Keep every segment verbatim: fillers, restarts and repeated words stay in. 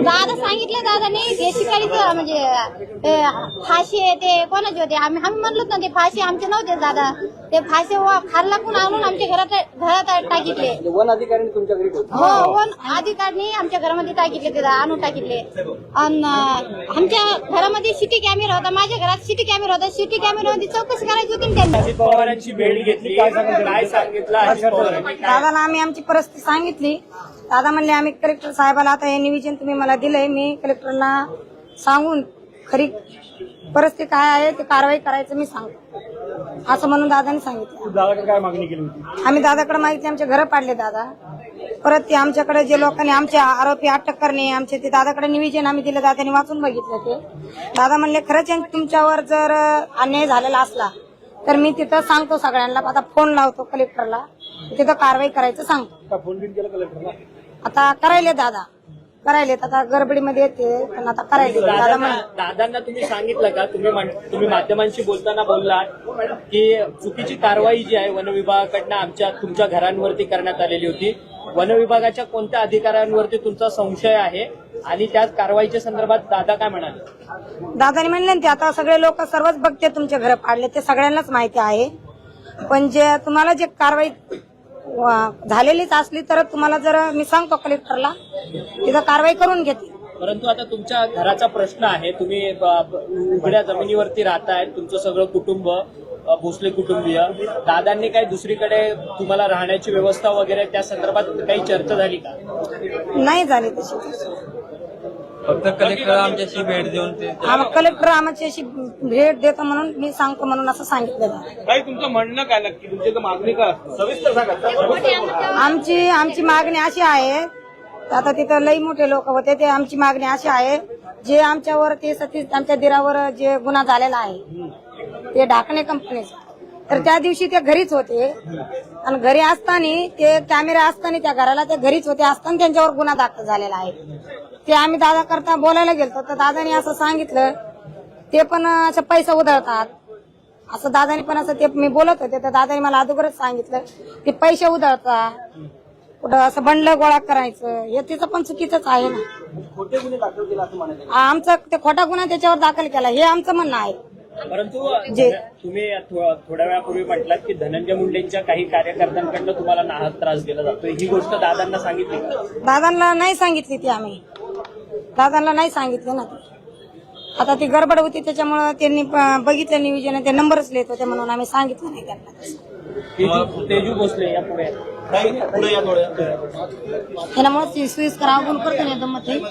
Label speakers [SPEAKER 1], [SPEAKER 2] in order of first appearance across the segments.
[SPEAKER 1] दादा सांगितलं दादाने ते शिकारीचं म्हणजे फाशी आहे ते कोणाचे होते आम्ही आम्ही म्हणलो ना ते फाशी आमचे नव्हते दादा ते फाशी खाल्ला पण आणून आमच्या घरात घरात टाकितले
[SPEAKER 2] वन अधिकाऱ्यांनी तुमच्या घरी
[SPEAKER 1] हो वन अधिकाऱ्यांनी आमच्या घरामध्ये टाकितले ते आणून टाकितले आणि आमच्या घरामध्ये सिटी कॅमेरा होता माझ्या घरात सिटी कॅमेरा होता सिटी कॅमेरामध्ये चौकशी करायची होती त्यांनी
[SPEAKER 3] अजित पवारांची भेट घेतली काय सांगितलं अजित पवारांनी
[SPEAKER 4] दादाला आम्ही आमची परिस्थिती सांगितली दादा म्हणले आम्ही कलेक्टर साहेबाला आता हे निवेदन तुम्ही मला दिलंय मी कलेक्टरला सांगून खरी परिस्थिती काय आहे ते कारवाई करायचं मी सांगतो असं म्हणून दादाने सांगितलं
[SPEAKER 3] दादाकडे काय मागणी केली होती
[SPEAKER 4] आम्ही दादाकडे मागितली आमचे घर पाडले दादा परत ते आमच्याकडे जे लोकांनी आमचे आरोपी अटक करणे आमचे ते दादाकडे निवेदन आम्ही दिलं दादाने वाचून बघितलं ते दादा म्हणले खरंच तुमच्यावर जर अन्याय झालेला असला तर मी तिथं सांगतो सगळ्यांना आता फोन लावतो कलेक्टरला तिथं कारवाई करायचं सांगतो
[SPEAKER 3] फोन बिन केला कलेक्टरला
[SPEAKER 4] आता करायले दादा करायले आता गडबडीमध्ये येते पण आता करायले दादा म्हण
[SPEAKER 3] दादांना तुम्ही सांगितलं का तुम्ही म्हण- तुम्ही माध्यमांशी बोलताना बोललात की चुकीची कारवाई जी आहे वन विभागाकडनं आमच्या तुमच्या घरांवरती करण्यात आलेली होती वन विभागाच्या कोणत्या अधिकाऱ्यांवरती तुमचा संशय आहे आणि त्याच कारवाईच्या संदर्भात दादा काय म्हणाले
[SPEAKER 4] दादाने म्हणले ना ते आता सगळे लोक सर्वच बघते तुमचे घर पाडले ते सगळ्यांनाच माहिती आहे पण जे तुम्हाला जे कारवाई झालेलीच असली तर तुम्हाला जर मी सांगतो कलेक्टरला तिथं कारवाई करून घेते
[SPEAKER 3] परंतु आता तुमच्या घराचा प्रश्न आहे तुम्ही ब- ब- उघड्या जमिनीवरती राहताय तुमचं सगळं कुटुंब अ, भोसले कुटुंबीय दादांनी काही दुसरीकडे तुम्हाला राहण्याची व्यवस्था वगैरे त्या संदर्भात काही चर्चा झाली का
[SPEAKER 4] नाही झाली तशी
[SPEAKER 2] फक्त कलेक्टर आमच्याशी भेट देऊन ते
[SPEAKER 4] कलेक्टर आमची अशी भेट देतो म्हणून मी सांगतो म्हणून असं सांगितलं
[SPEAKER 2] काही तुमचं म्हणणं काय नक्की तुमची तर मागणी काय सविस्तर सांगा
[SPEAKER 4] आमची आमची मागणी अशी आहे आता तिथं लई मोठे लोक होते ते आमची मागणी अशी आहे जे आमच्यावर ते सतीश आमच्या दिरावर जे गुन्हा झालेला आहे ते ढाकणे कंपनीचा तर त्या दिवशी ते घरीच होते आणि घरी असताना ते कॅमेरा असताना त्या घराला ते घरीच होते असताना त्यांच्यावर गुन्हा दाखल झालेला आहे ते आम्ही दादा करता बोलायला गेलतो तर दादाने असं सांगितलं ते पण असं पैसा उधळतात असं दादाने पण असं ते मी बोलत होते तर दादाने मला अगोदरच सांगितलं ते पैसे उधळतात कुठं असं बंडल गोळा करायचं हे तिचं पण चुकीचंच आहे ना
[SPEAKER 2] खोटे गुन्हे दाखल केला असं म्हणायचं
[SPEAKER 4] आमचं ते खोटा गुन्हा त्याच्यावर दाखल केला हे आमचं म्हणणं आहे
[SPEAKER 3] परंतु
[SPEAKER 4] जे-
[SPEAKER 3] तुम्ही थो- थोड्या वेळापूर्वी म्हटलात की धनंजय मुंडेंच्या काही कार्यकर्त्यांकडनं तुम्हाला नाहक त्रास दिला जातो ही गोष्ट दादांना सांगितली का
[SPEAKER 4] दादांना नाही सांगितली ती आम्ही दादांना नाही सांगितली ना ती आता ती गडबड होती त्याच्यामुळे त्यांनी प- बघितलं नियोजन ते नंबरच लिहित होते म्हणून आम्ही सांगितलं नाही त्यांना
[SPEAKER 3] तेजू तेजू भोसले या पुढे
[SPEAKER 2] पुढे या थोड्या
[SPEAKER 4] त्यामुळे ती सुईस करावं करतो ना एकदम मध्ये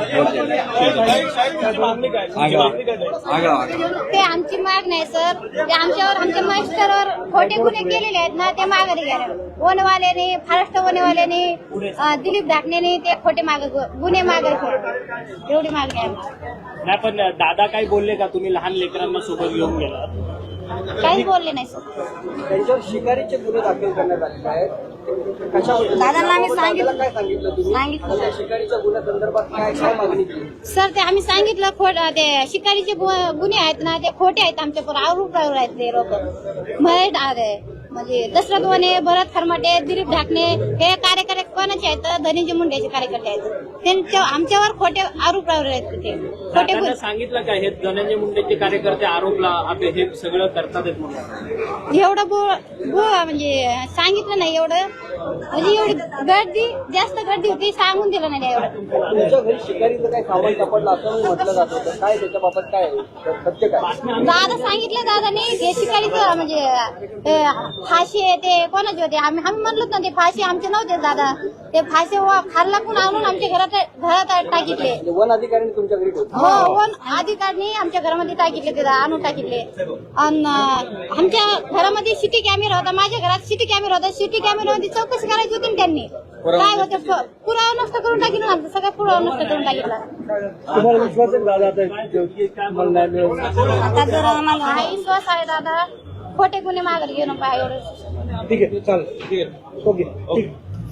[SPEAKER 2] मागणी काय तुमची मागणी काय
[SPEAKER 1] ते आमची माग नाही सर ते आमच्यावर आमच्या मास्टरवर खोटे गुन्हे केलेले आहेत ना ते माघारी घ्या वनवाल्याने महाराष्ट्र वनवाल्याने अं, दिलीप धाकणेने ते खोटे माग गुन्हे माघारी घेतले एवढी मागणी आहे आम्हाला.
[SPEAKER 3] नाही पण दादा काही बोलले का तुम्ही लहान लेकरांना सोबत घेऊन गेला
[SPEAKER 1] काहीच बोलले नाही सर
[SPEAKER 2] त्यांच्यावर शिकारीचे गुन्हे दाखल करण्यात आलेले आहेत कशावर
[SPEAKER 4] दादांना आम्ही सांगितलं
[SPEAKER 2] काय सांगितलं तुम्ही
[SPEAKER 4] सांगितलं
[SPEAKER 2] त्या शिकारीच्या गुन्ह्या संदर्भात काय काय मागणी केली
[SPEAKER 1] सर ते आम्ही सांगितलं खोट ते शिकारीचे गु- गुन्हे आहेत ना ते खोटे आहेत आमच्यावर आरोपावर आहेत ते लोक महेश आहे म्हणजे दशरथ वने भरत खरमाटे दिलीप ढाकणे हे कार्यकर्ते कोणाचे आहेत धनंजय मुंडेचे कार्यकर्ते आहेत त्यांच्या आमच्यावर खोटे आरोपावर आहेत ते खोटे
[SPEAKER 3] दादांना
[SPEAKER 1] गुन्हे
[SPEAKER 3] सांगितलं का हे धनंजय मुंडेचे कार्यकर्ते आरोपला आपले हे सगळं करतात म्हणून
[SPEAKER 1] एवढं बो बो म्हणजे सांगितलं नाही एवढं म्हणजे एवढी गर्दी जास्त गर्दी होती सांगून दिलं नाही एवढं
[SPEAKER 2] तुमच्या घरी शिकारीचं काय सामान सापडलं असं म्हटलं जात होतं काय त्याच्याबाबत काय आहे? सत्य काय
[SPEAKER 1] दादा सांगितलं दादाने ते शिकारीचं म्हणजे अं, फाशी आहे ते कोणाचे होते आम्ही आम्ही म्हणलो ना ते फाशी आमचे नव्हते दादा ते फाशी खाल्ला पण आणून आमच्या घरात घरात टाकितले
[SPEAKER 2] म्हणजे वन अधिकाऱ्यांनी तुमच्या घरी ठेवलं
[SPEAKER 1] हो वन अधिकाऱ्यांनी आमच्या घरामध्ये टाकितले ते आणून टाकितले आणि आमच्या घरामध्ये सिटी कॅमेरा होता माझ्या घरात सिटी कॅमेरा होता सिटी कॅमेरामध्ये चौकशी करायची होती ना त्यांनी काय होतं प- पुरावा नष्ट करून टाकितला आमचा सगळा पुरावा नष्ट करून टाकितला
[SPEAKER 3] तुम्हाला विश्वास आहे दादा काय म्हणणार
[SPEAKER 4] आता जर आम्हाला
[SPEAKER 1] हा विश्वास आहे दादा खोटे गुन्हे माघारी घेऊन पाहिजे एवढं
[SPEAKER 3] ठीक आहे चालेल ठीक आहे ओके ठीक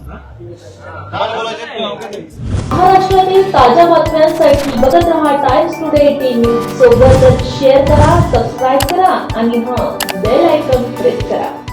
[SPEAKER 5] महाराष्ट्रातील ताज्या बातम्यांसाठी बघत रहा टाइम्स टुडे टीव्ही सोबतच शेअर करा सबस्क्राईब करा आणि हां बेल आयकॉन प्रेस करा.